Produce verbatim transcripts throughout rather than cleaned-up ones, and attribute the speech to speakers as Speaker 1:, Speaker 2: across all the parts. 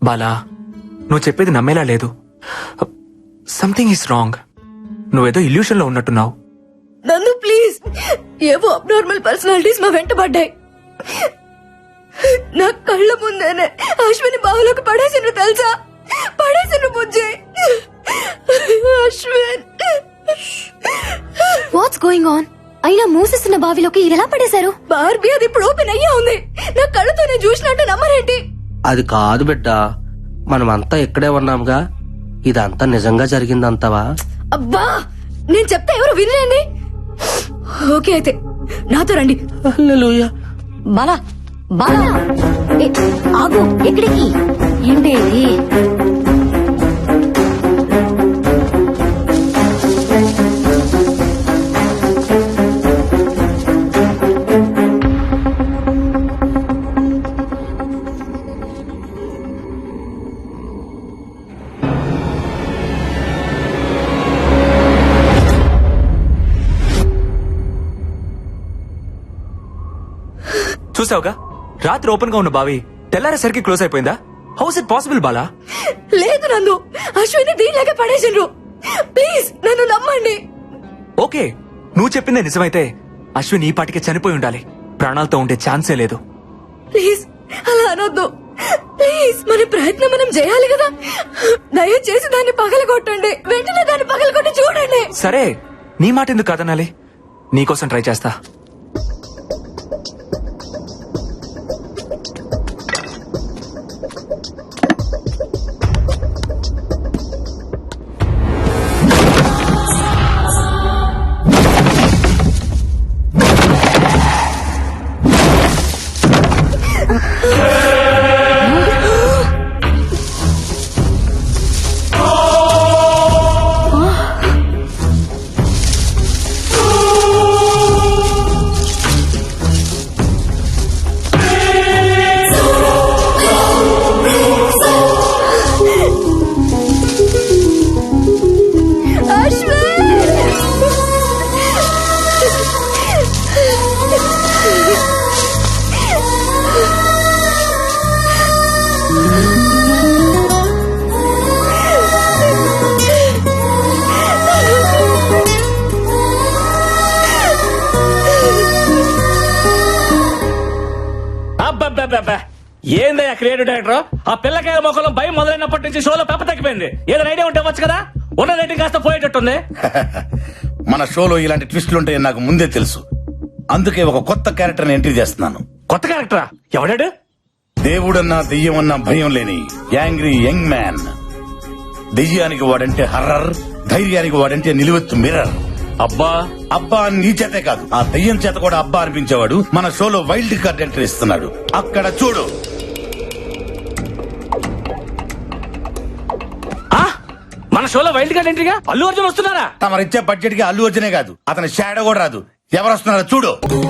Speaker 1: బాలా, నువ్వు చెప్పేది నమ్మేలా లేదు. Something is wrong. నువ్వేదో ఇల్యూషన్ లో ఉన్నట్టున్నావు.
Speaker 2: నందు ప్లీజ్, ఏవో అబ్నార్మల్ పర్సనాలిటీస్ మా వెంట పడ్డాయి. నా కళ్ళ ముందేనే అశ్విని బావులోకి పడేసిన తెలుసా? పడేసిన Bujji Ashwin.
Speaker 3: What's going on? అయినా మూసేస్తున్న బావిలోకి ఇలా పడేశారు.
Speaker 2: బార్బీ, అది ఇప్పుడు ఓపెన్ అయ్యా ఉంది. నా కళ్ళతో నేను చూసినట్టు నమ్మరేంటి?
Speaker 4: అది కాదు బిడ్డ, మనమంతా ఇక్కడే ఉన్నాంగా. ఇదంతా నిజంగా జరిగిందంతవా?
Speaker 2: అబ్బా, నేను చెప్తే ఎవరు వినలేండి. ఓకే అయితే నాతో రండి.
Speaker 4: హల్లెలూయా.
Speaker 3: బాలా బాలా, ఏ, ఆగు. ఎక్కడికి? ఏంటి ఇది?
Speaker 1: చూసావుగా, రాత్రి ఓపెన్ గా ఉన్న బావి తెల్లారేసరికి క్లోజ్ అయిపోయిందా? How's it possible Bala?
Speaker 2: లేదు నందు, అశ్విని దీనిలాగే పడేసిండ్రు. ప్లీజ్ నన్ను నమ్మండి.
Speaker 1: ఓకే, నువ్వు చెప్పిందే నిజమైతే అశ్విన్ ఈ పాటికి చనిపోయి ఉండాలి. ప్రాణాలతో ఉండే ఛాన్సే లేదు.
Speaker 2: ప్లీజ్ అలా అనొద్దు. ప్లీజ్, మన ప్రయత్నం మనం చేయాలి కదా. దయచేసి దాన్ని పగలగొట్టండి. వెంటనే దాన్ని పగలగొట్టి చూడండి.
Speaker 1: సరే, నీ మాట ఎందుకు కాదనాలి? నీకోసం ట్రై చేస్తా.
Speaker 5: ఏందయ్యా క్రియేటివ్ డైరెక్టర్? ఆ పిల్లకాయల మొక్కలో భయం మొదలైనప్పటి నుంచి షోలో పెప్ప తగ్గిపోయింది. ఏదైనా ఐడియా ఉంటే వచ్చు కదా. ఉన్న రేటింగ్ కాస్త పోయేటట్టుంది.
Speaker 6: మన షోలో ఇలాంటి ట్విస్టులు ఉంటాయని నాకు ముందే తెలుసు. అందుకే ఒక కొత్త క్యారెక్టర్ ఎంట్రీ చేస్తున్నాను.
Speaker 5: కొత్త క్యారెక్టరా? ఎవడాడు?
Speaker 6: దేవుడన్నా దెయ్యమన్నా భయం లేని యాంగ్రీ యంగ్ మ్యాన్. దెయ్యానికి వాడంటే హర్రర్, ధైర్యానికి వాడంటే నిలువెత్తు మిర్రర్.
Speaker 5: అబ్బా
Speaker 6: అబ్బా అని నీ చేతే కాదు, ఆ దెయ్యం చేత కూడా అబ్బా అనిపించేవాడు మన షోలో వైల్డ్ కార్డ్ ఎంట్రీ ఇస్తున్నాడు. అక్కడ చూడు.
Speaker 5: మన షోలో వైల్డ్ కార్డ్ ఎంట్రీగా అల్లు అర్జున్ వస్తున్నారా?
Speaker 6: తమరిచ్చే బడ్జెట్ కి అల్లు అర్జునే కాదు, అతని షాడో కూడా రాదు. ఎవరు వస్తున్నారో చూడు.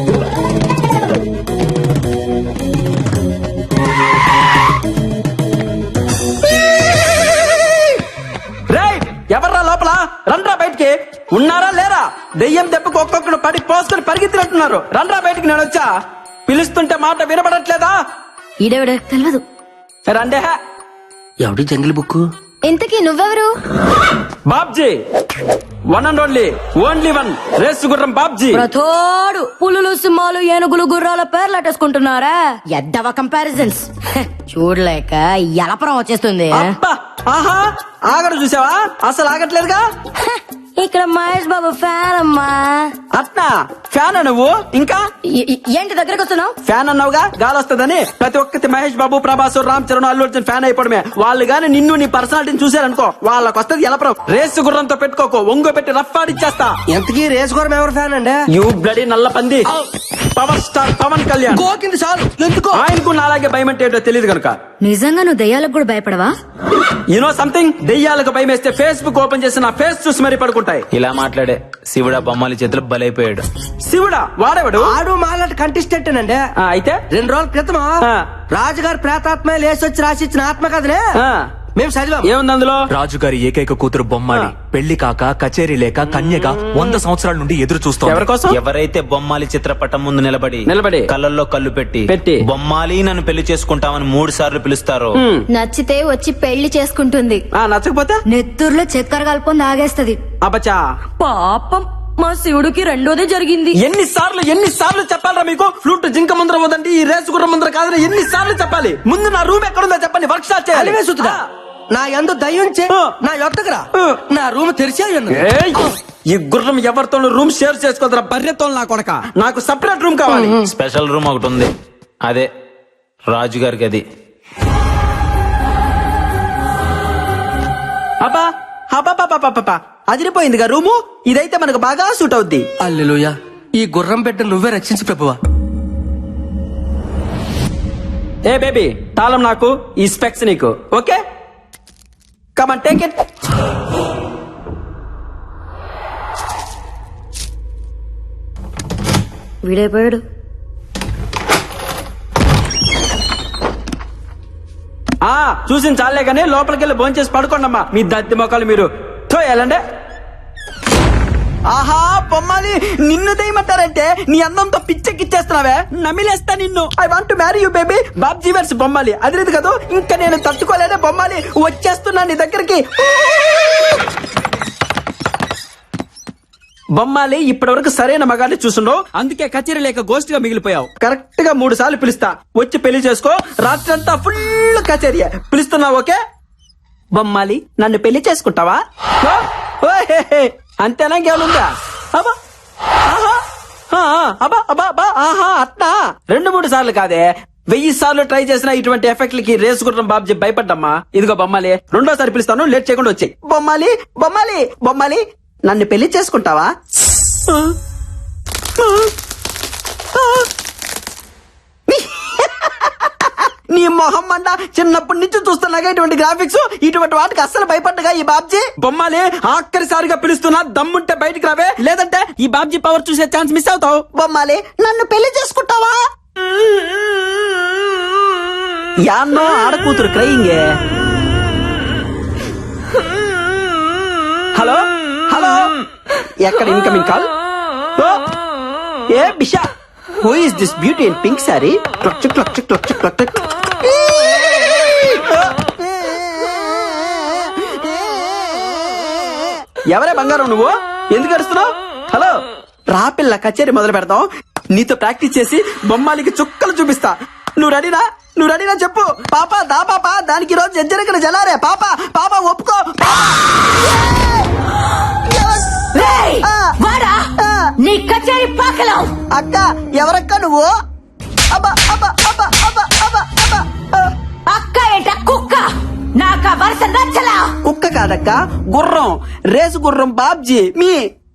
Speaker 7: ఎవర్రా లోపల? రండ్రా బయటికి. ఉన్నారా లేరా? దెయ్యం దెబ్బకు ఒక్కొక్కడు పడి పోసుకొని పరిగెత్తినట్టున్నారు. రండ్రా బయటికి. నేను వచ్చా పిలుస్తుంటే మాట వినపడట్లేదా?
Speaker 3: ఈడెవడు తెలియదు.
Speaker 7: రండే.
Speaker 4: ఎవడి జంగిల్ బుక్?
Speaker 3: ఇంతకీ నువ్వెవరు?
Speaker 7: Babji, one and only, only one race గుర్రం బాబ్జీ.
Speaker 2: ప్రతోడు పులులు, సింహాలు, ఏనుగులు, గుర్రాల పేర్లు అట్టేసుకుంటున్నారా? ఎద్దవ కంపారిజన్స్ చూడలేక ఎలపరం వచ్చేస్తుంది.
Speaker 7: అబ్బా, ఆహా, ఆగడు చూసావా? అసలు ఆగట్లేదుగా.
Speaker 2: ఇక్కడ మహేష్ బాబు ఫ్యాన్ అమ్మా.
Speaker 7: అట్నా? ఫ్యాన్ నువ్వు? ఇంకా
Speaker 2: ఏ- ఏ- ఏంటి దగ్గరకు వస్తున్నావు?
Speaker 7: ఫ్యాన్ అన్నావుగా, గాలి వస్తుందని. ప్రతి ఒక్కటి మహేష్ బాబు, ప్రభాస్, రామ్ చరణ్, అల్లు అర్జున్ ఫ్యాన్ అయిపోవడమే. వాళ్ళు గాని నిన్ను నీ పర్సనాలిటీని చూసారనుకో, వాళ్ళకి వస్తుంది ఎలపరం. రేసు గుర్రంతో పెట్టుకోకో, ఒంగో పెట్టి రఫ్ ఆడిచ్చేస్తా.
Speaker 4: ఎంతకీ రేసు గుర్రం ఎవరు ఫ్యాన్ అండి?
Speaker 7: యూ బ్లడీ నల్ల పంది. Power star Pawan Kalyan.
Speaker 4: గోకింది చాలు. ఎందుకో
Speaker 7: ఆయనకు అలాగే భయం అంటే ఏంటో తెలియదు కనుక.
Speaker 3: నిజంగా నువ్వు దయ్యాలకు కూడా భయపడవా?
Speaker 7: యూనో సంథింగ్, దెయ్యాలకు భయం వేస్తే ఫేస్బుక్ ఓపెన్ చేసి నా ఫేస్ చూసి మరీ పడుకుంటాయి.
Speaker 5: ఇలా మాట్లాడే శివుడా బొమ్మలి చేతులు బలైపోయాడు.
Speaker 7: శివుడా? వాడేవాడు?
Speaker 4: ఆడు మాలాంటి కంటెస్టెంట్ అండి.
Speaker 7: ఆ, అయితే
Speaker 4: రెండు రోజుల క్రితం
Speaker 7: ఆ.
Speaker 4: రాజుగారు ప్రేతాత్మ లేసొచ్చి రాసిచ్చిన ఆత్మకథనే
Speaker 7: ఆ.
Speaker 4: మేము చదివాం.
Speaker 7: ఏముంది అందులో?
Speaker 1: రాజుగారి ఏకైక కూతురు బొమ్మాలి పెళ్లి కాక కచేరీ లేక కన్యగా వంద సంవత్సరాల నుండి ఎదురు
Speaker 7: ఎవరి
Speaker 1: చూస్తోంది.
Speaker 7: కోసం?
Speaker 8: ఎవరైతే బొమ్మాలి చిత్రపటం ముందు నిలబడి
Speaker 7: నిలబడి
Speaker 8: కళ్ళల్లో కళ్ళు పెట్టి
Speaker 7: పెట్టి
Speaker 8: బొమ్మాలి నన్ను పెళ్లి చేసుకుంటామని మూడు సార్లు పిలుస్తారో
Speaker 3: నచ్చితే వచ్చి పెళ్లి చేసుకుంటుంది.
Speaker 7: ఆ నచ్చకపోతే
Speaker 2: నెత్తూరులో చక్కెర కలుపుకొని తాగేస్తది.
Speaker 7: అబ్బచ్చా,
Speaker 2: పాపం మా శివుడికి రెండోదే జరిగింది.
Speaker 7: ఎన్ని సార్లు ఎన్ని సార్లు చెప్పాలరా మీకు? ఫ్లూట్ జింక ముందర పోదండి, ఈ రేసు గుర్రం ముందర కాదని ఎన్ని సార్లు చెప్పాలి? ముందు నా రూమ్ ఎక్కడుందో చెప్పండి, వర్క్ షాప్ చేయాలి.
Speaker 4: అలివే సుతుడా, నా యందు దయ్యం చే
Speaker 7: ఆ.
Speaker 4: నా యొక్కరా
Speaker 7: ఆ.
Speaker 4: నా రూమ్ తెరిచే ఉన్నది.
Speaker 7: ఏయ్! ఈ గుర్రం ఎవరితోనూ రూమ్ షేర్ చేసుకోదరా బర్రెతో నా కొడక. నాకు సపరేట్ రూమ్ కావాలి.
Speaker 8: స్పెషల్ రూమ్ ఒకటి ఉంది, అదే రాజుగారికి. అది
Speaker 7: అబ్బా అబ్బా అదిరిపోయిందిగా రూము. ఇదైతే మనకు బాగా సూట్ అవుద్ది.
Speaker 4: అల్లెలుయా, ఈ గుర్రం బిడ్డ నువ్వే రక్షించు ప్రభువా.
Speaker 7: ఏ బేబీ, తాళం నాకు, ఈ స్పెక్స్ నీకు. Okay, come on take it.
Speaker 2: వీడైపోయాడు.
Speaker 7: ఆ చూసిన చాలే గానీ లోపలికి వెళ్ళి భోంచేసి పడుకోండమ్మా, మీ దత్తి మొక్కలు మీరు. తో వెళ్ళండి. ఆహా బొమ్మాలి, నిన్ను దయమంటారంటే నీ అందంతో పిచ్చెక్కిచ్చేస్తున్నావే, నమిలేస్తా నిన్ను. I want to marry you baby. Babji versus Bommali, అది లేదు కదా. ఇంకా నేను తట్టుకోలేనే బొమ్మాలి, వచ్చేస్తున్నా నీ దగ్గరికి. బొమ్మాలి, ఇప్పటి వరకు సరైన మగాన్ని చూసుండవు, అందుకే కచేరీ లేక గోస్ట్ గా మిగిలిపోయావు. కరెక్ట్ గా మూడు సార్లు పిలుస్తా, వచ్చి పెళ్లి చేసుకో. రాత్రంతా ఫుల్ కచేరీ. పిలుస్తున్నావు ఓకే? బొమ్మాలి, నన్ను పెళ్లి చేసుకుంటావా? ఓ, ఓ, హే, హే. అంతేనా, ఇంకేముందా? అబ్బా ఆహా, ఆ, అబ్బా అబ్బా అబ్బా ఆహా అట్నా. రెండు మూడు సార్లు కాదే, వెయ్యి సార్లు ట్రై చేసిన ఇటువంటి ఎఫెక్ట్లకి రేసు గుర్రం బాబ్జీ భయపడ్డమ్మా. ఇదిగో బొమ్మాలి, రెండోసారి పిలుస్తాను, లేట్ చేయకుండా వచ్చాయి. బొమ్మాలి బొమ్మాలి బొమ్మాలి, నన్ను పెళ్లి చేసుకుంటావా? నీ మొహం మండ, చిన్నప్పటి నుంచి చూస్తున్నాగా ఇటువంటి గ్రాఫిక్స్, ఇటువంటి వాటికి అస్సలు భయపడ్డగా ఈ బాబ్జీ. బొమ్మాలి, ఆఖరిసారిగా పిలుస్తున్నా, దమ్ముంటే బయటికి రావే, లేదంటే ఈ బాబ్జీ పవర్ చూసే ఛాన్స్ మిస్ అవుతావు. బొమ్మాలి, నన్ను పెళ్లి చేసుకుంటావా? యాన్నో ఆడకూతురు క్రయింగే. హలో హలో, ఎక్కడ ఇన్కమింగ్ కాల్? ఏ బిషా, who is this beauty in pink sari? Clutch clutch clutch clutch. ఎవరే బంగారం నువ్వు? ఎందుకు అరుస్తున్నావు? హలో, రా పిల్ల, కచేరీ మొదలు పెడతాం. నీతో ప్రాక్టీస్ చేసి బొమ్మాలికి చుక్కలు చూపిస్తా. నువ్వు రెడీనా? నువ్వు రెడీనా చెప్పు. పాప దా పాప, దానికి రోజు ఎజ్జరికలు జలారే. పాప పాప ఒప్పుకో.
Speaker 2: రేయ్, వాడా నీ కచేరీ పాకలో.
Speaker 7: అక్క, ఎవరక్క నువ్వు? అబ్బా అబ్బా అబ్బా అబ్బా అబ్బా అబ్బా.
Speaker 2: అక్క ఏంట కుక్క? నాకా వరుస నచ్చలా.
Speaker 7: కుక్క కాదక్క, గుర్రం, రేసు గుర్రం బాబ్జీ మీ.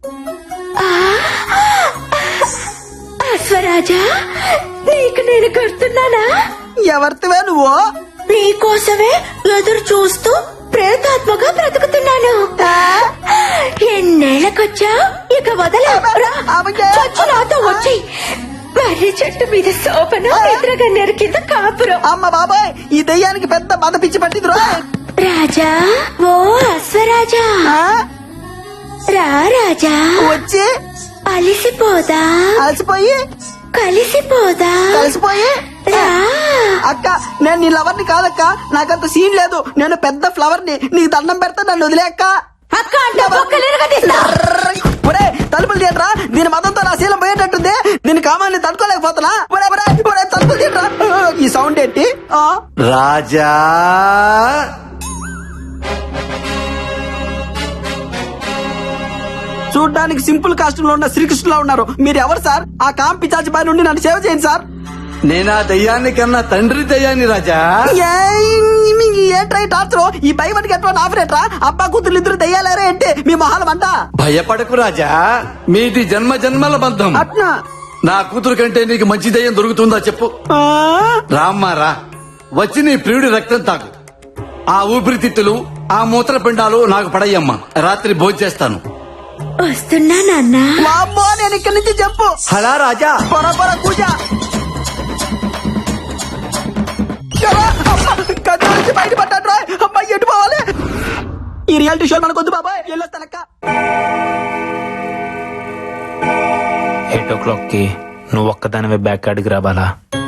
Speaker 2: అశ్వరాజా, నీకు నేను గుర్తున్నానా?
Speaker 7: ఎవరితివే నువ్వు?
Speaker 2: నీకోసమే ఎదురు చూస్తూ ప్రేతాత్మగా బ్రతుకుతున్నాను. ఎన్నేళ్లకొచ్చా, ఇక వదలా. చచ్చు నాతో వచ్చి మర్రి చెట్టు మీద సోపను, నిద్రగా నెరికింద కాపురం.
Speaker 7: అమ్మ బాబాయ్, ఈ దెయ్యానికి పెద్ద మద పిచ్చి పట్టింది.
Speaker 2: రాజా, ఓ అశ్వరాజా, రా రాజా,
Speaker 7: వచ్చి
Speaker 2: అలిసిపోదా,
Speaker 7: అలసిపోయి
Speaker 2: కలిసిపోదా,
Speaker 7: కలిసిపోయి.
Speaker 2: రా.
Speaker 7: అక్క, నేను నీ లవర్ ని కాదక్క, నాకంత సీన్ లేదు. నేను పెద్ద ఫ్లవర్ ని, నీకు దండం పెడతా, నన్ను వదిలే అక్క.
Speaker 2: అక్క అంటే బొక్కలు ఎరగదీస్తా.
Speaker 7: ఒరే, తలుపులు తీయట్రా, దీని మతంతో నా శీలం పోయేటట్టుంది. దీని కామాన్ని తట్టుకోలేకపోతున్నా. ఒరే ఒరే ఒరే, తలుపులు తీయట్రా. ఈ సౌండ్ ఏంటి? ఆ
Speaker 9: రాజా,
Speaker 7: చూడ్డానికి సింపుల్ కాస్ట్యూమ్ లో ఉన్న శ్రీకృష్ణులా ఉన్నారు. మీరు ఎవరు సార్? ఆ కాంపి చాచి బారి నుండి నన్ను సేవ చేయండి సార్.
Speaker 9: నేనా దయ్యాన్ని కన్నా తండ్రి దయ్యాన్ని రాజా.
Speaker 7: ఏంట్రా టార్చర్? ఈ భయపడికి ఎట్లా ఆఫరేట్రా? అబ్బా కూతురు ఇద్దరు దయ్యాలేరే అంటే మీ మొహాలం అంట.
Speaker 9: భయపడకు రాజా, మీది జన్మ జన్మల బంధం.
Speaker 7: అట్నా?
Speaker 9: నా కూతురు కంటే నీకు మంచి దయ్యం దొరుకుతుందా చెప్పు.
Speaker 7: ఆ?
Speaker 9: రామ్మా రా, వచ్చి నీ ప్రియుడి రక్తం తాగు. ఆ ఊపిరితిత్తులు, ఆ మూత్రపిండాలు నాకు పడయ్యమ్మా. రాత్రి భోంచేస్తాను.
Speaker 2: వస్తున్నా నాన్న.
Speaker 7: మా అమ్మో, నేను ఇక్కడి నుంచి చెప్పు.
Speaker 9: హలా రాజా,
Speaker 7: పొర పొర కూజ. కథ నుంచి బయటపడ్డాడు రా. అమ్మాయి ఎటు రియాలిటీ షో మనకొద్దు బాబాయ్ వెళ్ళొస్తానక్క.
Speaker 8: ఎయిట్ ఓ క్లాక్ కి నువ్వు ఒక్కదానివే బ్యాక్ యార్డ్కి రావాలా?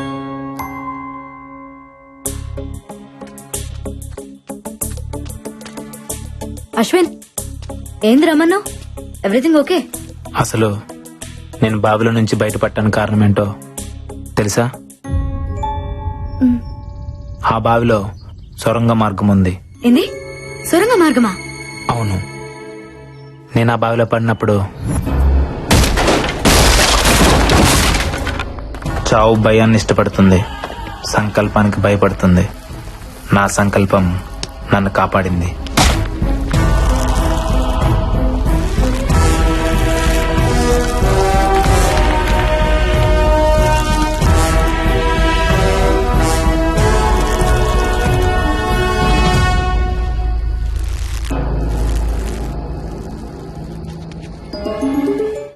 Speaker 2: అశ్విన్ ఏంది రమ్మన్నావు? Everything okay?
Speaker 8: అసలు నేను బావిలో నుంచి బయటపడటానికి కారణం ఏంటో తెలుసా? ఆ బావిలో సొరంగ మార్గం ఉంది.
Speaker 2: ఏంది సొరంగ మార్గమా?
Speaker 8: అవును, నేను ఆ బావిలో పడినప్పుడు చావు భయాన్ని ఇష్టపడుతుంది, సంకల్పానికి భయపడుతుంది. నా సంకల్పం నన్ను కాపాడింది.